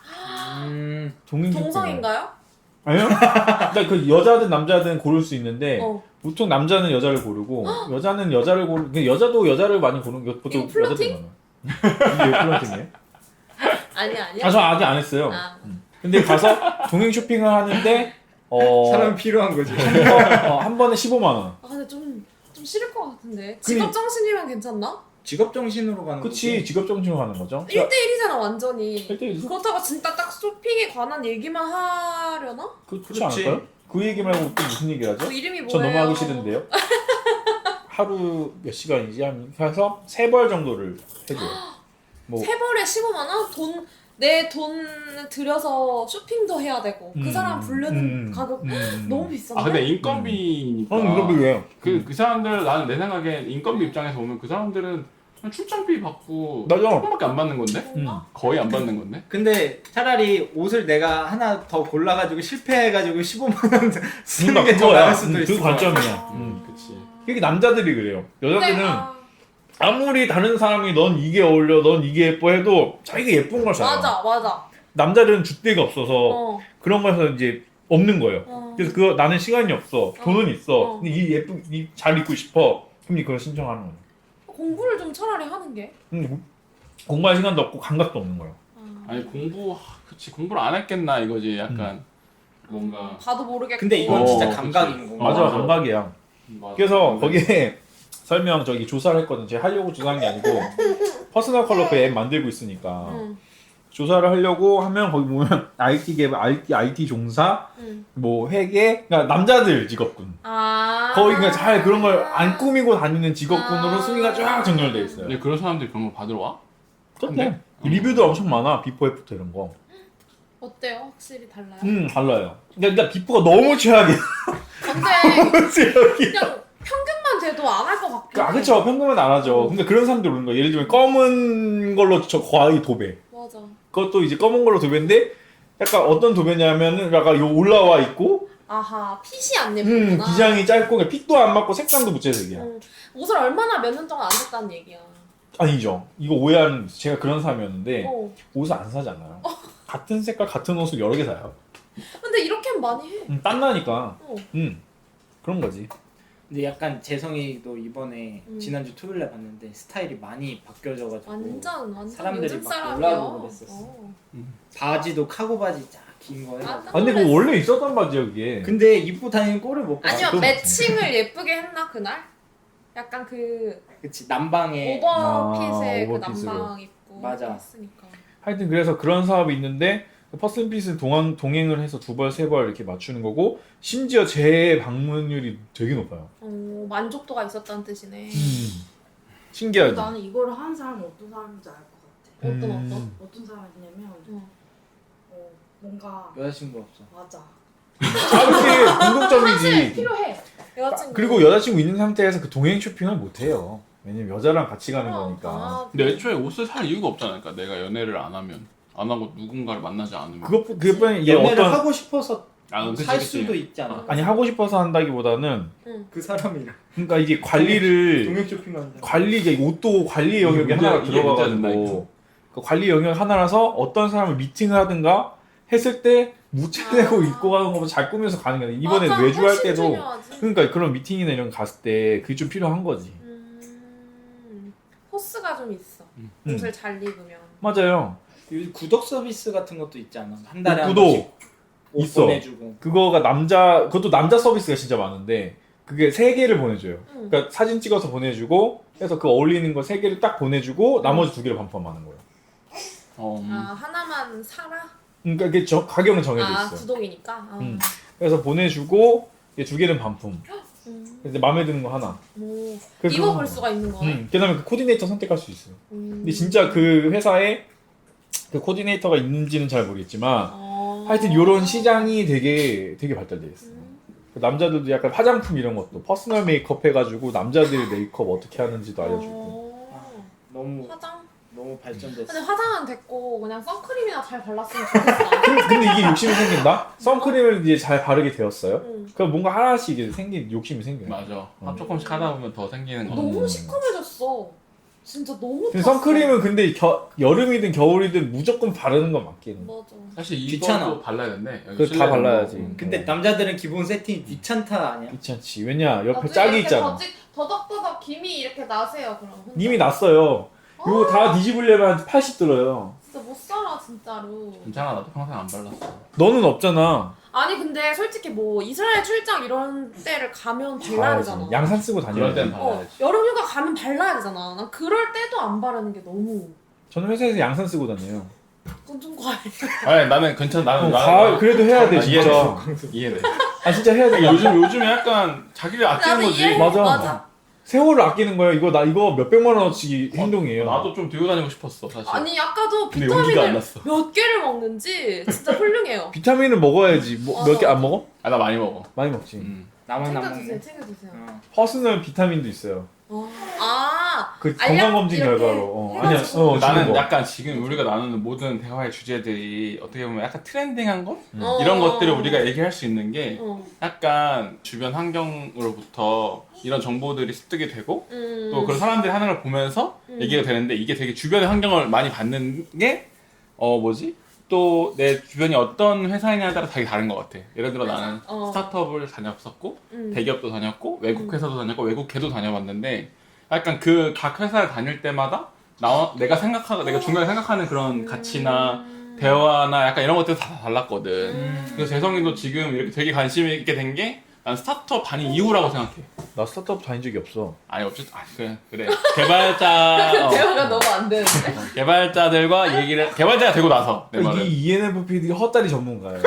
Speaker 1: 음.
Speaker 2: 동행 쇼핑을.
Speaker 4: 동성인가요?
Speaker 2: 아니요. 그러니까 그 여자든 남자든 고를 수 있는데
Speaker 4: 어.
Speaker 2: 보통 남자는 여자를 고르고 여자는 여자를 고르. 근데 여자도 여자를 많이 고르는 게 보통
Speaker 4: 이거 플러팅?
Speaker 2: 여자들 많아. 이게 플러팅이에요?
Speaker 4: 아니야 아니야.
Speaker 2: 아, 저 아직 안 했어요.
Speaker 4: 아.
Speaker 2: 근데 가서 동행 쇼핑을 하는데 어,
Speaker 1: 사람이 필요한 거지.
Speaker 2: 한, 번, 어, 한 번에 십오만 원.
Speaker 4: 아 근데 좀, 좀 싫을 것 같은데. 직업 정신이면 괜찮나?
Speaker 1: 직업 정신으로 가는
Speaker 2: 그치,
Speaker 1: 거지.
Speaker 2: 직업 정신으로 가는 거죠.
Speaker 4: 일 대일이잖아 완전히.
Speaker 2: 일 대일.
Speaker 4: 그렇다고 진짜 딱 쇼핑에 관한 얘기만 하려나?
Speaker 2: 그, 그렇지
Speaker 1: 그렇지.
Speaker 2: 않을까요? 그 얘기 말고 또 무슨 얘기를 하죠?
Speaker 4: 그 이름이 뭐예요?
Speaker 2: 저 너무 하기 싫은데요. 하루 몇 시간이지? 한 해서 세 벌 정도를 해줘요. 뭐
Speaker 4: 세 벌에 십오만 원? 돈, 내 돈 들여서 쇼핑도 해야 되고 그
Speaker 2: 음,
Speaker 4: 사람 부르는
Speaker 2: 음,
Speaker 4: 가격
Speaker 2: 음.
Speaker 4: 너무 비싼데?
Speaker 3: 아 근데 인건비니까.
Speaker 2: 어, 이거 왜요?
Speaker 3: 그, 그 사람들 나는 내 생각엔 인건비 입장에서 보면 그 사람들은 그냥 출장비 받고
Speaker 2: 맞아.
Speaker 3: 조금밖에 안 받는 건데?
Speaker 4: 뭔가?
Speaker 3: 거의 안 받는 건데?
Speaker 1: 근데 차라리 옷을 내가 하나 더 골라가지고 실패해가지고 십오만 원 쓰는
Speaker 2: 그러니까
Speaker 1: 게 더
Speaker 2: 그거야.
Speaker 1: 나을 수도
Speaker 2: 음,
Speaker 1: 있어.
Speaker 2: 그 관점이야.
Speaker 4: 아.
Speaker 2: 음.
Speaker 3: 그치.
Speaker 2: 이게 남자들이 그래요. 여자들은
Speaker 4: 근데, 아,
Speaker 2: 아무리 다른 사람이 넌 이게 어울려, 넌 이게 예뻐 해도 자기가 예쁜 걸 사요.
Speaker 4: 맞아 맞아.
Speaker 2: 남자들은 줏대가 없어서
Speaker 4: 어.
Speaker 2: 그런 거에서 이제 없는 거예요.
Speaker 4: 어.
Speaker 2: 그래서 그거 나는 시간이 없어, 돈은 있어,
Speaker 4: 어.
Speaker 2: 근데 이 예쁜, 이 잘 입고 싶어. 그럼 그걸 신청하는 거예요.
Speaker 4: 공부를 좀 차라리 하는 게.
Speaker 2: 음, 공부할 시간도 없고 감각도 없는 거예요.
Speaker 4: 아.
Speaker 3: 아니 공부 하, 그치 공부를 안 했겠나 이거지 약간
Speaker 2: 음.
Speaker 3: 뭔가
Speaker 4: 봐도 모르겠고.
Speaker 1: 근데 이건
Speaker 3: 어,
Speaker 1: 진짜
Speaker 3: 그치.
Speaker 1: 감각인 거.
Speaker 3: 어,
Speaker 2: 맞아,
Speaker 3: 맞아.
Speaker 2: 감각이야.
Speaker 3: 맞아.
Speaker 2: 그래서 거기에 설명 저기 조사를 했거든. 제가 하려고 조사한 게 아니고 퍼스널 컬러 그 앱 만들고 있으니까
Speaker 4: 응.
Speaker 2: 조사를 하려고 하면 거기 보면 아이티 개발, 아이티, 아이티 종사,
Speaker 4: 응.
Speaker 2: 뭐 회계, 그러니까 남자들 직업군.
Speaker 4: 아.
Speaker 2: 거의 그러니까 잘 그런 걸 안 꾸미고 다니는 직업군으로
Speaker 4: 아.
Speaker 2: 순위가 쫙 정렬돼 있어요.
Speaker 3: 근데 그런 사람들이 그런 걸 받으러 와?
Speaker 2: 그런데
Speaker 3: 어.
Speaker 2: 리뷰도 엄청 많아. 비포 애프터 이런 거.
Speaker 4: 어때요? 확실히 달라요?
Speaker 2: 음 달라요. 근데 일단 비포가 너무 최악이야.
Speaker 4: 근데
Speaker 2: 너무 최악이야.
Speaker 4: 그냥 평균만 돼도 안 할 것 같긴
Speaker 2: 아
Speaker 4: 해.
Speaker 2: 그쵸. 평균은 안 하죠. 근데 그런 사람들 오는 거야. 예를 들면 검은 걸로 저 거의 도배.
Speaker 4: 맞아.
Speaker 2: 그것도 이제 검은 걸로 도배인데 약간 어떤 도배냐면은 약간 요 올라와 있고
Speaker 4: 아하, 핏이 안
Speaker 2: 음
Speaker 4: 예쁘구나.
Speaker 2: 기장이 짧고 그냥 핏도 안 맞고 색상도 무채색이야.
Speaker 4: 응. 옷을 얼마나 몇 년 동안 안 샀다는 얘기야.
Speaker 2: 아니죠. 이거 오해하는 제가 그런 사람이었는데
Speaker 4: 어.
Speaker 2: 옷을 안 사잖아요. 같은 색깔 같은 옷을 여러 개 사요.
Speaker 4: 근데 이렇게는 많이 해.
Speaker 2: 음, 땀나니까.
Speaker 4: 어.
Speaker 2: 음 그런 거지.
Speaker 1: 근데 약간 재성이도 이번에
Speaker 4: 음.
Speaker 1: 지난주 토요일에 봤는데 스타일이 많이 바뀌어져가지고
Speaker 4: 완전 완전
Speaker 1: 사람들이
Speaker 4: 요즘
Speaker 1: 막
Speaker 4: 사람이야.
Speaker 1: 올라오고 그랬었어.
Speaker 4: 어.
Speaker 1: 바지도 카고 바지 쫙 긴 거에
Speaker 4: 아,
Speaker 2: 아 근데 그거 원래 있었던 바지야 그게.
Speaker 1: 근데 입고 다니는 꼴을 못 봐.
Speaker 4: 아니면
Speaker 2: 그건
Speaker 4: 매칭을 예쁘게 했나 그날? 약간 그
Speaker 1: 그치 남방에
Speaker 4: 오버핏에
Speaker 2: 아,
Speaker 4: 그
Speaker 2: 오버핏으로.
Speaker 4: 남방 입고
Speaker 1: 맞아.
Speaker 4: 했으니까.
Speaker 2: 하여튼 그래서 그런 사업이 있는데 퍼센핏은 동행, 동행을 해서 두 벌 세 벌 이렇게 맞추는 거고 심지어 재방문율이 되게 높아요.
Speaker 4: 어, 만족도가 있었다는 뜻이네.
Speaker 2: 음. 신기하지?
Speaker 5: 나는 이거를 하는 사람이 어떤 사람인지 알 것 같아.
Speaker 4: 어떤
Speaker 2: 음.
Speaker 4: 어떤?
Speaker 5: 어떤 사람이냐면
Speaker 4: 어.
Speaker 5: 어, 뭔가
Speaker 1: 여자친구 없어.
Speaker 5: 맞아.
Speaker 2: 아 그게 공통점이지.
Speaker 4: 필요해. 여자친구.
Speaker 2: 그리고 여자친구 있는 상태에서 그 동행 쇼핑을 못 해요. 왜냐면 여자랑 같이 가는
Speaker 4: 그럼.
Speaker 2: 거니까.
Speaker 4: 아,
Speaker 3: 근데 애초에 옷을 살 이유가 없잖아. 그러니까 내가 연애를 안 하면 안 하고 누군가를 만나지 않으면.
Speaker 2: 그것 그것뿐이 얘
Speaker 1: 연애를
Speaker 2: 어떤
Speaker 1: 하고 싶어서
Speaker 3: 아, 그치,
Speaker 1: 살
Speaker 3: 그치.
Speaker 1: 수도 있잖아.
Speaker 2: 아니 하고 싶어서 한다기보다는
Speaker 1: 그 사람이랑
Speaker 2: 그러니까 이게 관리를
Speaker 1: 동행 쇼핑한다.
Speaker 2: 관리 이게 옷도 관리 영역에
Speaker 3: 문제-
Speaker 2: 하나가
Speaker 3: 이게 문제가
Speaker 2: 들어가가지고 그 관리 영역 하나라서 어떤 사람을 미팅을 하든가 했을 때 무채되고
Speaker 4: 아.
Speaker 2: 입고 가는 것보다 잘 꾸며서 가는 게 아니라 이번에
Speaker 4: 맞아,
Speaker 2: 외주할
Speaker 4: 훨씬
Speaker 2: 때도
Speaker 4: 중요하지.
Speaker 2: 그러니까 그런 미팅이나 이런 거 갔을 때 그게 좀 필요한 거지.
Speaker 4: 음, 포스가 좀 있어.
Speaker 2: 음.
Speaker 4: 옷을 잘 입으면.
Speaker 2: 맞아요.
Speaker 1: 요즘 구독 서비스 같은 것도 있잖아. 한 달에 한
Speaker 2: 구독
Speaker 1: 번씩 옷
Speaker 2: 있어.
Speaker 1: 보내주고.
Speaker 2: 그거가 남자 그것도 남자 서비스가 진짜 많은데 그게 세 개를 보내줘요.
Speaker 4: 응.
Speaker 2: 그러니까 사진 찍어서 보내주고 해서 그 어울리는 거 세 개를 딱 보내주고 나머지 두 개를 반품하는 거예요.
Speaker 3: 어, 음.
Speaker 4: 아 하나만 사라?
Speaker 2: 그러니까 그게 저, 가격은 정해져
Speaker 4: 아
Speaker 2: 있어.
Speaker 4: 구독이니까. 아.
Speaker 2: 음. 그래서 보내주고 이게 두 개는 반품.
Speaker 4: 음.
Speaker 2: 이제 마음에 드는 거 하나.
Speaker 4: 오,
Speaker 2: 그래서
Speaker 4: 입어볼
Speaker 2: 그런
Speaker 4: 수가 있는
Speaker 2: 거.
Speaker 4: 거네.
Speaker 2: 음. 그다음에 그 코디네이터 선택할 수 있어요.
Speaker 4: 음.
Speaker 2: 근데 진짜 그 회사에 그 코디네이터가 있는지는 잘 모르겠지만
Speaker 4: 어.
Speaker 2: 하여튼 이런 시장이 되게 되게 발달돼 있어요.
Speaker 4: 음.
Speaker 2: 그 남자들도 약간 화장품 이런 것도 퍼스널 메이크업 해가지고 남자들 메이크업 어떻게 하는지도 알려주고.
Speaker 4: 어.
Speaker 1: 너무
Speaker 4: 화장?
Speaker 1: 너무 발전됐어.
Speaker 4: 근데 화장은 됐고 그냥 선크림이나 잘 발랐으면 좋겠어.
Speaker 2: 근데, 근데 이게 욕심이 생긴다? 선크림을 이제 잘 바르게 되었어요.
Speaker 4: 응.
Speaker 2: 그럼 뭔가 하나씩 이제 생긴 욕심이 생겨요.
Speaker 3: 맞아.
Speaker 2: 어.
Speaker 3: 조금씩 하다 보면 더 생기는 거.
Speaker 4: 너무
Speaker 2: 음.
Speaker 4: 시커매졌어. 진짜 너무
Speaker 2: 근데
Speaker 4: 탔어.
Speaker 2: 선크림은 근데 겨, 여름이든 겨울이든 무조건 바르는 건 맞긴 해.
Speaker 4: 맞아.
Speaker 3: 사실
Speaker 1: 귀찮아.
Speaker 3: 이거도 발라야 된대. 여기
Speaker 2: 그거 다
Speaker 3: 실내는
Speaker 2: 발라야지.
Speaker 3: 뭐.
Speaker 1: 근데
Speaker 2: 어.
Speaker 1: 남자들은 기본 세팅이 귀찮다 아니야?
Speaker 2: 귀찮지. 왜냐 옆에
Speaker 4: 나중에
Speaker 2: 짝이
Speaker 4: 이렇게
Speaker 2: 있잖아.
Speaker 4: 더직, 더덕더덕 김이 이렇게 나세요 그럼. 혼자.
Speaker 2: 님이 났어요. 이거
Speaker 4: 아,
Speaker 2: 다 뒤집으려면 한 팔십 들어요.
Speaker 4: 진짜 못 살아 진짜로.
Speaker 3: 괜찮아, 나도 평생 안 발랐어.
Speaker 2: 너는 없잖아.
Speaker 4: 아니 근데 솔직히 뭐 이스라엘 출장 이런 때를 가면 발라야
Speaker 2: 봐야지.
Speaker 4: 되잖아.
Speaker 2: 양산 쓰고
Speaker 3: 그럴 땐
Speaker 2: 다녀야지.
Speaker 3: 발라.
Speaker 4: 어,
Speaker 3: 발라야지.
Speaker 4: 여름휴가 가면 발라야 되잖아. 난 그럴 때도 안 바르는 게 너무
Speaker 2: 저는 회사에서 양산 쓰고 다녀요.
Speaker 4: 그건 좀 과해.
Speaker 3: 아니 나는 괜찮아. 나는
Speaker 2: 어,
Speaker 3: 나는
Speaker 2: 가, 그래도 해야 돼
Speaker 3: 아,
Speaker 2: 진짜.
Speaker 3: 이해돼. 이해돼.
Speaker 2: 아 진짜 해야 돼.
Speaker 3: 그러니까 요즘 요즘에 약간 자기를 아끼는
Speaker 4: 나도
Speaker 3: 거지.
Speaker 4: 이해해.
Speaker 2: 맞아.
Speaker 4: 맞아.
Speaker 2: 세월을 아끼는 거예요. 이거 나 이거 몇 백만 원어치 행동이에요.
Speaker 3: 나도 좀 들고 다니고 싶었어 사실.
Speaker 4: 아니 아까도
Speaker 3: 근데 용기가 안
Speaker 4: 비타민을
Speaker 3: 났어.
Speaker 4: 몇 개를 먹는지 진짜 훌륭해요.
Speaker 2: 비타민을 먹어야지. 뭐, 몇 개 안 먹어?
Speaker 3: 아 나 많이 먹어.
Speaker 2: 많이 먹지.
Speaker 3: 음.
Speaker 1: 나만 안
Speaker 4: 챙겨주세요,
Speaker 1: 먹네.
Speaker 4: 챙겨주세요.
Speaker 1: 어.
Speaker 2: 퍼스널 비타민도 있어요.
Speaker 4: 어. 아,
Speaker 2: 그
Speaker 4: 알약
Speaker 2: 건강 검진
Speaker 4: 이렇게
Speaker 2: 결과로. 어. 아니야.
Speaker 4: 해가지고.
Speaker 2: 어,
Speaker 3: 나는
Speaker 2: 주는 거.
Speaker 3: 약간 지금 우리가 나누는 모든 대화의 주제들이 어떻게 보면 약간 트렌딩한 것?
Speaker 2: 음.
Speaker 4: 어.
Speaker 3: 이런 것들을 우리가 얘기할 수 있는 게
Speaker 4: 어.
Speaker 3: 약간 주변 환경으로부터 이런 정보들이 습득이 되고
Speaker 4: 음.
Speaker 3: 또 그런 사람들이 하는 걸 보면서
Speaker 4: 음.
Speaker 3: 얘기가 되는데 이게 되게 주변의 환경을 많이 받는 게 어 뭐지? 또 내 주변이 어떤 회사이냐에 따라 되게 다른 것 같아. 예를 들어 나는
Speaker 4: 어.
Speaker 3: 스타트업을 다녔었고
Speaker 4: 음.
Speaker 3: 대기업도 다녔고 외국 회사도 다녔고 외국계도 다녀봤는데 약간 그 각 회사를 다닐 때마다 나 내가 생각하고 내가 중간에 생각하는 그런 가치나
Speaker 4: 음.
Speaker 3: 대화나 약간 이런 것들이 다 달랐거든.
Speaker 4: 음.
Speaker 3: 그래서 재성이도 지금 이렇게 되게 관심 있게 된 게 난 스타트업 다닌 이후라고 생각해.
Speaker 2: 나 스타트업 다닌 적이 없어.
Speaker 3: 아니 어쨌든 아 그래 그래 개발자 어,
Speaker 4: 대화가 너무 안 되는데.
Speaker 3: 개발자들과 얘기를 개발자가 되고 나서 내 말은
Speaker 2: 이 이엔에프피디 헛다리 전문가예요.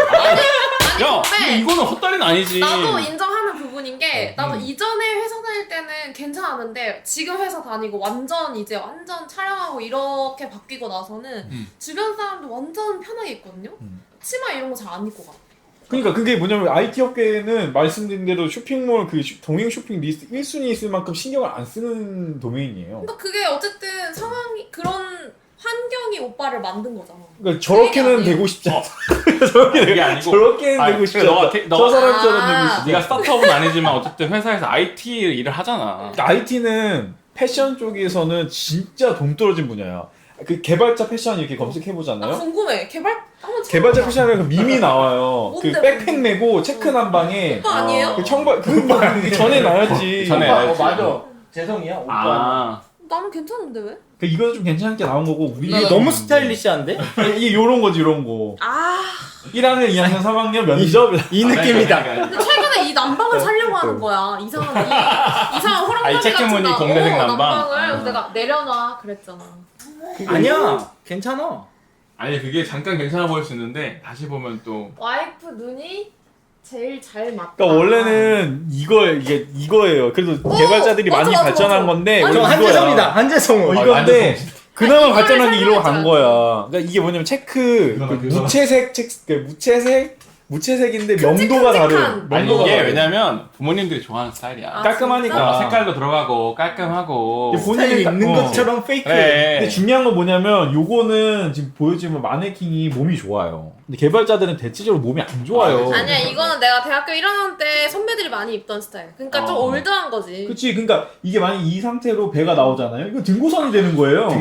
Speaker 3: 야
Speaker 4: 근데
Speaker 3: 이거- 이거는 헛다리는 아니지.
Speaker 4: 나도 인정하는 부분인 게 나도
Speaker 2: 음.
Speaker 4: 이전에 회사 다닐 때는 괜찮았는데 지금 회사 다니고 완전 이제 완전 촬영하고 이렇게 바뀌고 나서는
Speaker 3: 음.
Speaker 4: 주변 사람도 완전 편하게 있거든요.
Speaker 2: 음.
Speaker 4: 치마 이런 거 잘 안 입고 가.
Speaker 2: 그러니까 그게 뭐냐면 아이티 업계는 말씀드린 대로 쇼핑몰 그 쇼- 동행 쇼핑 리스트 일 순위 있을 만큼 신경을 안 쓰는 도메인이에요.
Speaker 4: 그러니까 그게 어쨌든 상황이 그런 환경이 오빠를 만든 거잖아.
Speaker 2: 그러니까 저렇게는
Speaker 4: 아니에요.
Speaker 2: 되고 싶지 않아.
Speaker 3: 그게 아니고
Speaker 2: 저렇게는
Speaker 3: 아니,
Speaker 2: 되고 싶지
Speaker 3: 그래, 너가
Speaker 2: 않아.
Speaker 3: 테-
Speaker 2: 저
Speaker 3: 너가-
Speaker 2: 사람처럼 되고
Speaker 4: 아.
Speaker 2: 싶지
Speaker 3: 네가
Speaker 2: 않아.
Speaker 3: 스타트업은 아니지만 어쨌든 회사에서 아이티 일을 하잖아.
Speaker 2: 아이티는 패션 쪽에서는 진짜 돈 떨어진 분야야. 그 개발자 패션 이렇게 검색해
Speaker 4: 나
Speaker 2: 보잖아요.
Speaker 4: 궁금해. 개발 한번
Speaker 2: 개발자 패션에 그 밈이 나와요. 그
Speaker 4: 뭔데,
Speaker 2: 백팩
Speaker 4: 뭔데?
Speaker 2: 메고 체크 난방에
Speaker 4: 오빠 아니에요?
Speaker 2: 그 청바 그뭐 전에 나왔지.
Speaker 3: 전에
Speaker 1: 오빠, 어,
Speaker 3: 알지.
Speaker 1: 맞아. 재성이야 오빠.
Speaker 3: 아
Speaker 4: 나는 괜찮은데 왜?
Speaker 2: 그 이거는 좀 괜찮게 나온 거고 우리가
Speaker 1: 이게 너무 스타일리시한데?
Speaker 2: 이게 요런 거지 요런 거.
Speaker 4: 아
Speaker 2: 일 학년, 이 학년, 삼 학년 면접
Speaker 1: 이 느낌이다.
Speaker 4: 근데 최근에 이 난방을 살려고 하는 거야. 이상한 이, 이상한 호랑이
Speaker 3: 아니,
Speaker 4: 같은
Speaker 3: 체크무늬
Speaker 4: 나-
Speaker 3: 공대생
Speaker 4: 어,
Speaker 3: 난방?
Speaker 4: 난방을
Speaker 3: 아.
Speaker 4: 그래서 내가 내려놔 그랬잖아.
Speaker 1: 아니야, 괜찮아.
Speaker 3: 아니 그게 잠깐 괜찮아 보일 수 있는데 다시 보면 또
Speaker 4: 와이프 눈이 제일 잘 맞다.
Speaker 2: 그러니까 원래는 이거 이게 이거예요. 그래도
Speaker 4: 어,
Speaker 2: 개발자들이
Speaker 4: 맞아,
Speaker 2: 많이
Speaker 4: 맞아,
Speaker 2: 발전한
Speaker 4: 맞아.
Speaker 2: 건데
Speaker 4: 맞아,
Speaker 2: 원래
Speaker 1: 저
Speaker 2: 이거야.
Speaker 1: 한재성이다. 한재성.
Speaker 2: 어,
Speaker 3: 아,
Speaker 2: 이건데 그나마
Speaker 4: 아니,
Speaker 2: 발전한 게
Speaker 4: 이거를
Speaker 2: 이러고 간
Speaker 4: 설명해줘야지.
Speaker 2: 거야. 그러니까 이게 뭐냐면 체크
Speaker 3: 그거는
Speaker 2: 그
Speaker 3: 그거는.
Speaker 2: 무채색 책 그 무채색 무채색인데
Speaker 4: 큼직큼직한.
Speaker 2: 명도가 다른.
Speaker 3: 아니
Speaker 2: 명도가
Speaker 3: 이게
Speaker 2: 다른.
Speaker 3: 왜냐면 부모님들이 좋아하는 스타일이야.
Speaker 4: 아,
Speaker 2: 깔끔하니까.
Speaker 3: 어, 색깔도 들어가고 깔끔하고.
Speaker 2: 이게
Speaker 1: 본인이
Speaker 2: 본인이
Speaker 1: 입는
Speaker 2: 어.
Speaker 1: 것처럼 페이크.
Speaker 3: 그래.
Speaker 2: 근데 중요한 건 뭐냐면 요거는 지금 보여주면 마네킹이 몸이 좋아요. 근데 개발자들은 대체적으로 몸이 안 좋아요.
Speaker 3: 아,
Speaker 4: 아니야 이거는 내가 대학교 일 학년 때 선배들이 많이 입던 스타일. 그러니까 좀
Speaker 3: 어.
Speaker 4: 올드한 거지.
Speaker 2: 그치. 그러니까 이게 만약 이 상태로 배가 나오잖아요. 이거 등고선이 되는 거예요.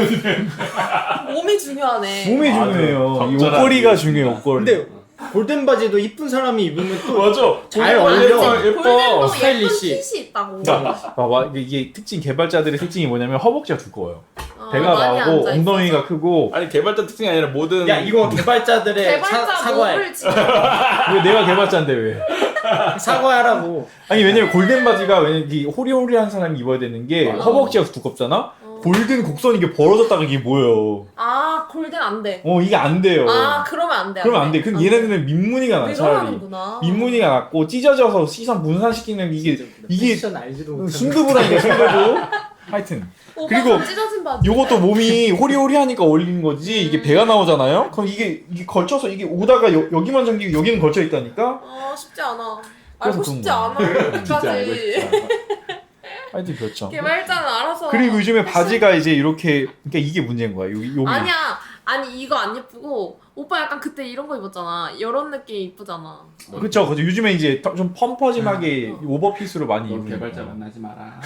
Speaker 4: 몸이 중요하네.
Speaker 2: 몸이
Speaker 3: 맞아.
Speaker 2: 중요해요. 이
Speaker 3: 적절하지.
Speaker 2: 옷걸이가 중요해요. 옷걸이.
Speaker 1: 근데 골든 바지도 이쁜 사람이 입으면 또
Speaker 2: 맞아.
Speaker 1: 잘
Speaker 3: 골든
Speaker 1: 어울려.
Speaker 3: 바지. 예뻐.
Speaker 4: 골든도
Speaker 1: 스타일리시.
Speaker 4: 예쁜 핏이 있다고.
Speaker 2: 봐봐. 이게, 이게 특징 개발자들의 특징이 뭐냐면 허벅지가 두꺼워요.
Speaker 4: 어,
Speaker 2: 배가
Speaker 4: 많이
Speaker 2: 나오고
Speaker 4: 앉아있어서.
Speaker 2: 엉덩이가 크고.
Speaker 3: 아니 개발자 특징이 아니라 모든.
Speaker 1: 야 이거 개발자들의
Speaker 4: 개발자
Speaker 1: 사, 사과해.
Speaker 4: 몸을 지금
Speaker 2: 왜 내가 개발자인데 왜?
Speaker 1: 사과하라고.
Speaker 2: 아니 왜냐면 골든 바지가 왜냐면 이게 호리호리한 사람이 입어야 되는 게
Speaker 3: 맞아.
Speaker 2: 허벅지가 두껍잖아.
Speaker 4: 어.
Speaker 2: 골든 곡선이 이게 벌어졌다가 이게 뭐예요?
Speaker 4: 아 골든 안 돼.
Speaker 2: 어 이게 안 돼요.
Speaker 4: 아 그러면 안 돼.
Speaker 2: 그러면 안 돼. 근데 얘네들은 민무늬가 나
Speaker 4: 왜
Speaker 2: 차라리.
Speaker 4: 그러는구나.
Speaker 2: 민무늬가 났고 찢어져서 시선 분산시키는 이게 이게
Speaker 1: 패션 알지도 못하는.
Speaker 2: 순두부라니까 순두부. 하여튼
Speaker 4: 오빠
Speaker 2: 그리고
Speaker 4: 좀 찢어진 바지.
Speaker 2: 요것도 몸이 호리호리하니까 어울리는 거지. 이게 배가 나오잖아요. 그럼 이게 이게 걸쳐서 이게 오다가 여, 여기만 잠기고 여기는 걸쳐 있다니까.
Speaker 4: 어 쉽지 않아.
Speaker 2: 그래서
Speaker 4: 알고
Speaker 2: 그런
Speaker 4: 싶지
Speaker 2: 거야.
Speaker 4: 않아.
Speaker 3: 진짜 알고
Speaker 4: 여기까지.
Speaker 3: 싶다.
Speaker 2: 하여튼 그렇죠.
Speaker 4: 개발자는 알아서.
Speaker 2: 그리고 요즘에
Speaker 4: 패션-
Speaker 2: 바지가 이제 이렇게 그러니까 이게 문제인 거야. 여기 여기.
Speaker 4: 아니야. 아니 이거 안 예쁘고 오빠 약간 그때 이런 거 입었잖아. 이런 느낌 이쁘잖아.
Speaker 2: 그렇죠. 그렇죠. 요즘에 이제 더- 좀 펌퍼짐하게
Speaker 4: 어.
Speaker 2: 오버핏으로 많이
Speaker 3: 넌
Speaker 2: 입는
Speaker 3: 개발자
Speaker 2: 거.
Speaker 3: 만나지 마라.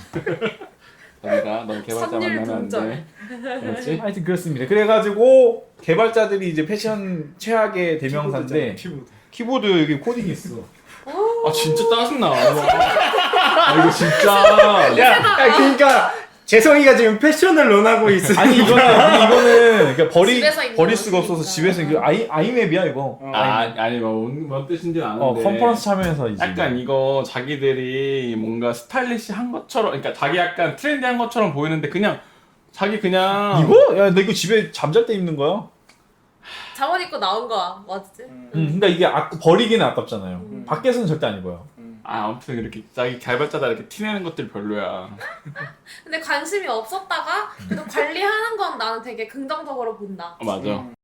Speaker 3: 너희가 넌 개발자
Speaker 4: 선율
Speaker 3: 만나면 안
Speaker 4: 분절.
Speaker 3: 돼. 그렇지?
Speaker 2: 하여튼 그렇습니다. 그래가지고 개발자들이 이제 패션 최악의 대명사인데
Speaker 1: 키보드.
Speaker 2: 키보드 여기 코딩이 있어.
Speaker 3: 아 진짜 짜증나. 아 이거 진짜.
Speaker 1: 야, 야 그러니까 재성이가 지금 패션을 논하고 있어.
Speaker 2: 아니 이거는 아니, 이거는 그러니까 버리
Speaker 4: 집에서 입는
Speaker 2: 버릴 수가
Speaker 4: 옷이니까.
Speaker 2: 없어서 집에서 이거 아이 아이맵이야 이거.
Speaker 1: 어.
Speaker 3: 아 아니 뭐뭔 뭔 뜻인지는 아는데.
Speaker 2: 어 컨퍼런스 참여해서 이제.
Speaker 3: 약간 이거 자기들이 뭔가 스타일리시한 것처럼, 그러니까 자기 약간 트렌디한 것처럼 보이는데 그냥 자기 그냥
Speaker 2: 이거? 야, 나 이거 집에 잠잘 때 입는 거야.
Speaker 4: 잠옷 입고 나온 거야. 맞지?
Speaker 1: 음.
Speaker 2: 응. 그러니까 이게 아, 버리기는 아깝잖아요.
Speaker 4: 음.
Speaker 2: 밖에서는 절대 안 입어요.
Speaker 3: 아 아무튼 이렇게 자기 개발자다 이렇게 티내는 것들 별로야.
Speaker 4: 근데 관심이 없었다가 그래도 관리하는 건 나는 되게 긍정적으로 본다.
Speaker 3: 어, 맞아.
Speaker 1: 음.